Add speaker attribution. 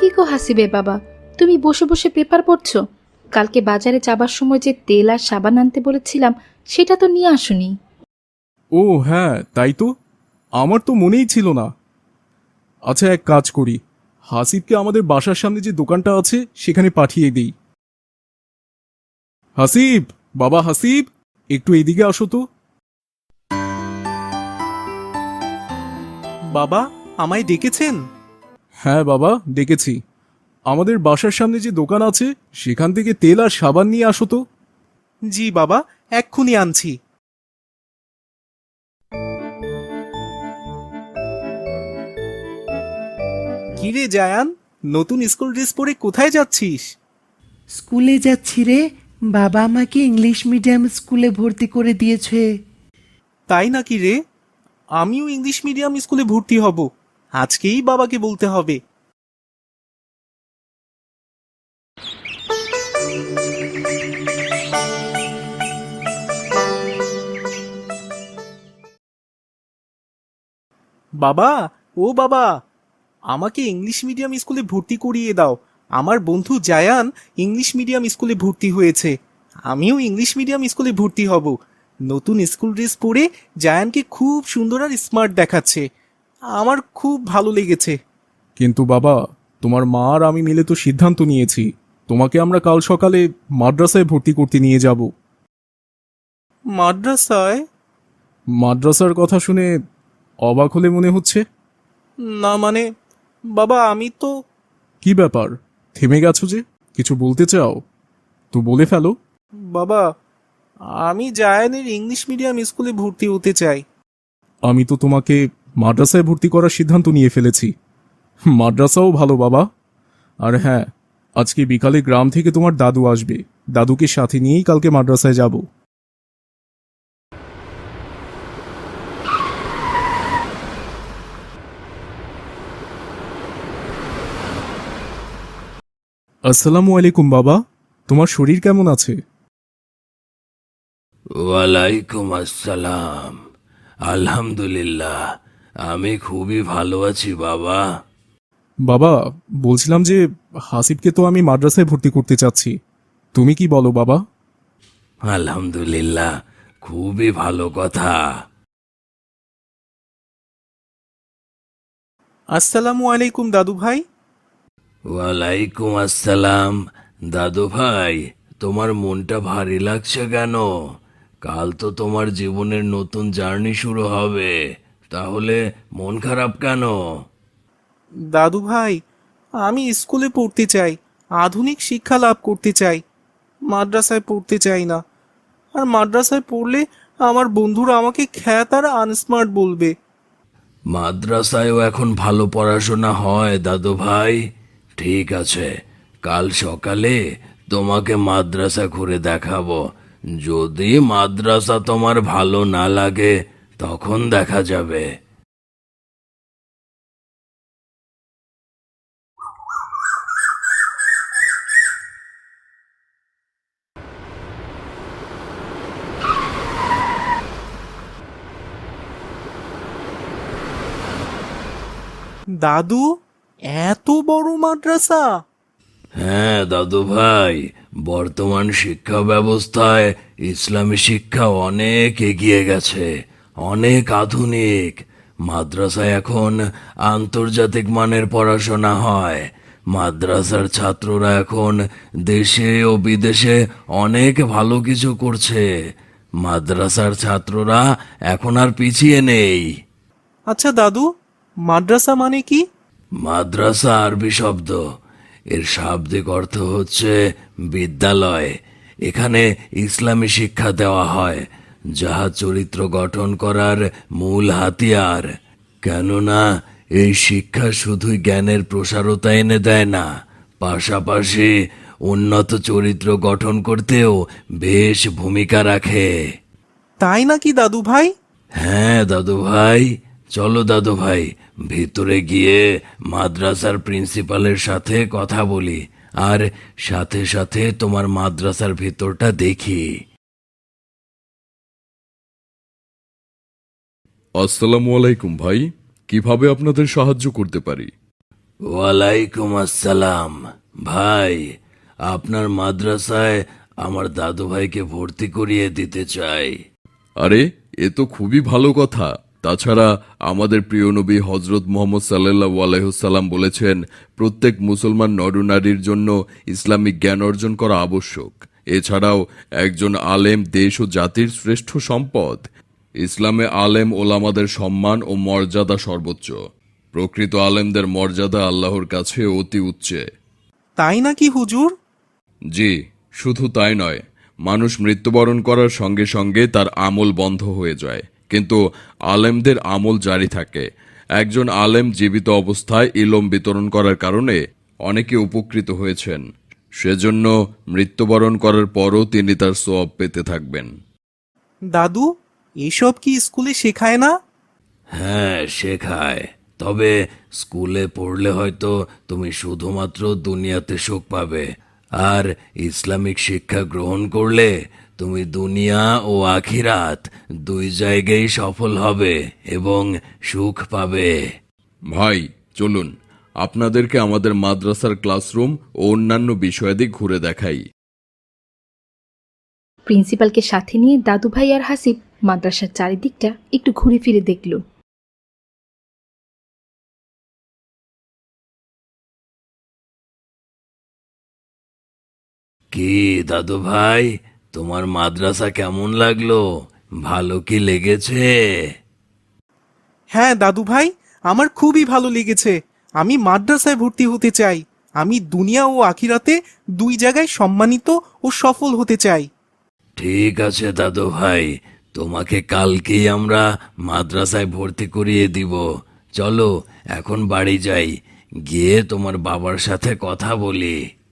Speaker 1: কি গো হাসিবে বাবা, তুমি বসে বসে পেপার পড়ছো? কালকে বাজারে যাবার সময় যে তেল আর সাবান আনতে বলেছিলাম সেটা তো নিয়ে আসোনি।
Speaker 2: ও হ্যাঁ, তাই তো। আমার তো মনেই ছিল না। আচ্ছা, এক কাজ করি, হাসিবকে আমাদের বাসার সামনে যে দোকানটা আছে সেখানে পাঠিয়ে দিই। হাসিব, বাবা হাসিব, একটু এদিকে আসো তো।
Speaker 3: বাবা, আমায় ডেকেছেন?
Speaker 2: হ্যাঁ বাবা, ডেকেছি। আমাদের বাসার সামনে যে দোকান আছে সেখান থেকে তেল আর সাবান নিয়ে আসো তো।
Speaker 3: জি বাবা, এক্ষুনি আনছি। কিরে জায়ান, নতুন স্কুল ড্রেস পরে কোথায় যাচ্ছিস?
Speaker 4: স্কুলে যাচ্ছি রে। বাবা আমাকে ইংলিশ মিডিয়াম স্কুলে ভর্তি করে দিয়েছে।
Speaker 3: তাই নাকি রে? আমিও ইংলিশ মিডিয়াম স্কুলে ভর্তি হব। আজকেই বাবাকে বলতে হবে। বাবা, ও বাবা, আমাকে ইংলিশ মিডিয়াম স্কুলে ভর্তি করিয়ে দাও। আমার বন্ধু জায়ান ইংলিশ মিডিয়াম স্কুলে ভর্তি হয়েছে। আমিও ইংলিশ মিডিয়াম স্কুলে ভর্তি হব। নতুন স্কুল ড্রেস পরে জায়ানকে খুব সুন্দর আর স্মার্ট দেখাচ্ছে। আমার খুব ভালো লেগেছে।
Speaker 2: কিন্তু বাবা, তোমার মা আর আমি মিলে তো সিদ্ধান্ত নিয়েছি, তোমাকে আমরা কাল সকালে মাদ্রাসায় ভর্তি করতে নিয়ে যাব।
Speaker 3: মাদ্রাসায়?
Speaker 2: মাদ্রাসার কথা শুনে অবাক হলে মনে হচ্ছে।
Speaker 3: না মানে, বাবা আমি তো...
Speaker 2: কি ব্যাপার, থেমে গেছো যে? কিছু বলতে চাও তো বলে ফেলো।
Speaker 3: বাবা, আমি জায়ানের ইংলিশ মিডিয়াম স্কুলে ভর্তি হতে চাই।
Speaker 2: আমি তো তোমাকে মাদ্রাসায় ভর্তি করার সিদ্ধান্ত নিয়ে ফেলেছি। মাদ্রাসাও ভালো বাবা। আর হ্যাঁ, আজকে বিকালে গ্রাম থেকে তোমার দাদু আসবে। দাদুকে সাথে নিয়েই কালকে মাদ্রাসায় যাব। আসসালামু আলাইকুম বাবা, তোমার শরীর কেমন আছে?
Speaker 5: ওয়ালাইকুম আসসালাম। আলহামদুলিল্লাহ, আমি খুবই ভালো আছি বাবা।
Speaker 2: বাবা, বলছিলাম যে হাসিবকে তো আমি মাদ্রাসায় ভর্তি করতে চাচ্ছি, তুমি কি বলো বাবা?
Speaker 5: আলহামদুলিল্লাহ, খুবই ভালো কথা।
Speaker 3: আসসালামু আলাইকুম দাদু ভাই।
Speaker 5: ওয়ালাইকুম আসসালাম। দাদু ভাই, তোমার মনটা ভারী লাগছে কেন? কাল তো তোমার জীবনের নতুন জার্নি শুরু হবে, তাহলে মন খারাপ কেন?
Speaker 3: দাদু ভাই, আমি স্কুলে পড়তে চাই, আধুনিক শিক্ষা লাভ করতে চাই। মাদ্রাসায় পড়তে চাই না। আর মাদ্রাসায় পড়লে আমার বন্ধুরা আমাকে খ্যাত আর আনস্মার্ট বলবে।
Speaker 5: মাদ্রাসায়ও এখন ভালো পড়াশোনা হয় দাদু ভাই। ঠিক আছে, কাল সকালে তোমাকে মাদ্রাসা ঘুরে দেখাবো। যদি মাদ্রাসা তোমার ভালো না লাগে তখন দেখা যাবে।
Speaker 3: দাদু, এত বড় মাদ্রাসা!
Speaker 5: হ্যাঁ দাদু ভাই, বর্তমান শিক্ষা ব্যবস্থায় ইসলামী শিক্ষা অনেক এগিয়ে গেছে, অনেক আধুনিক। মাদ্রাসায় এখন আন্তর্জাতিক মানের পড়াশোনা হয়। মাদ্রাসার ছাত্ররা এখন দেশে ও বিদেশে অনেক ভালো কিছু করছে। মাদ্রাসার ছাত্ররা এখন আর পিছিয়ে নেই।
Speaker 3: আচ্ছা দাদু, মাদ্রাসা মানে কি?
Speaker 5: মাদ্রাসা আরবি শব্দ, এর শাব্দিক অর্থ হচ্ছে বিদ্যালয়। এখানে ইসলামী শিক্ষা দেওয়া হয়, যাহা চরিত্র গঠন করার মূল হাতিয়ার। কেননা এই শিক্ষা শুধুই জ্ঞানের প্রসারতা এনে দেয় না, পাশাপাশি উন্নত চরিত্র গঠন করতেও বেশ ভূমিকা রাখে।
Speaker 3: তাই নাকি দাদু ভাই?
Speaker 5: হ্যাঁ দাদু ভাই, চলো দাদু ভাই, ভিতরে গিয়ে মাদ্রাসার প্রিন্সিপালের সাথে কথা বলি, আর সাথে সাথে তোমার মাদ্রাসার ভিতরটা দেখি।
Speaker 6: আসসালামু আলাইকুম ভাই, কিভাবে আপনাদের সাহায্য করতে পারি?
Speaker 5: ওয়ালাইকুম আসসালাম। ভাই, আপনার মাদ্রাসায় আমার দাদু ভাইকে ভর্তি করিয়ে দিতে চাই।
Speaker 6: আরে, এ তো খুবই ভালো কথা। তাছাড়া আমাদের প্রিয় নবী হজরত মোহাম্মদ সাল্লাল্লাহু আলাইহি বলেছেন, প্রত্যেক মুসলমান নরনারীর জন্য ইসলামিক জ্ঞান অর্জন করা আবশ্যক। এছাড়াও একজন আলেম দেশ ও জাতির শ্রেষ্ঠ সম্পদ। ইসলামে আলেম ওলামাদের সম্মান ও মর্যাদা সর্বোচ্চ। প্রকৃত আলেমদের মর্যাদা আল্লাহর কাছে অতি উচ্চে।
Speaker 3: তাই নাকি হুজুর?
Speaker 6: জি, শুধু তাই নয়, মানুষ মৃত্যুবরণ করার সঙ্গে সঙ্গে তার আমল বন্ধ হয়ে যায়, কিন্তু আলেমদের আমল জারি থাকে। একজন আলেম জীবিত অবস্থায় ইলম বিতরণ করার কারণে অনেকে উপকৃত হয়েছেন। সেজন্য মৃত্যুবরণ করার পরও তিনি তার সওয়াব পেতে থাকবেন।
Speaker 3: দাদু, এসব কি স্কুলে শেখায় না?
Speaker 5: হ্যাঁ, শেখায়। তবে স্কুলে পড়লে হয়তো তুমি শুধুমাত্র দুনিয়াতে সুখ পাবে, আর ইসলামিক শিক্ষা গ্রহণ করলে তুমি দুনিয়া ও আখিরাত দুই জায়গায় সফল হবে এবং সুখ পাবে।
Speaker 6: ভাই, চলুন আপনাদেরকে আমাদের মাদ্রাসার ক্লাসরুম ও অন্যান্য বিষয়াদি ঘুরে দেখাই।
Speaker 1: প্রিন্সিপালকে সাথে নিয়ে দাদু ভাই আর হাসিব মাদ্রাসার চারিদিকটা একটু ঘুরে ফিরে দেখল।
Speaker 5: কি দাদু ভাই, তোমার মাদ্রাসা কেমন লাগলো? ভালো কি লেগেছে?
Speaker 3: হ্যাঁ দাদু ভাই, আমার খুবই ভালো লেগেছে। আমি মাদ্রাসায় ভর্তি হতে চাই। আমি দুনিয়া ও আখিরাতে দুই জায়গায় সম্মানিত ও সফল হতে চাই।
Speaker 5: ঠিক আছে দাদু ভাই, তোমাকে কালকেই আমরা মাদ্রাসায় ভর্তি করিয়ে দিব। চলো এখন বাড়ি যাই, গিয়ে তোমার বাবার সাথে কথা বলি।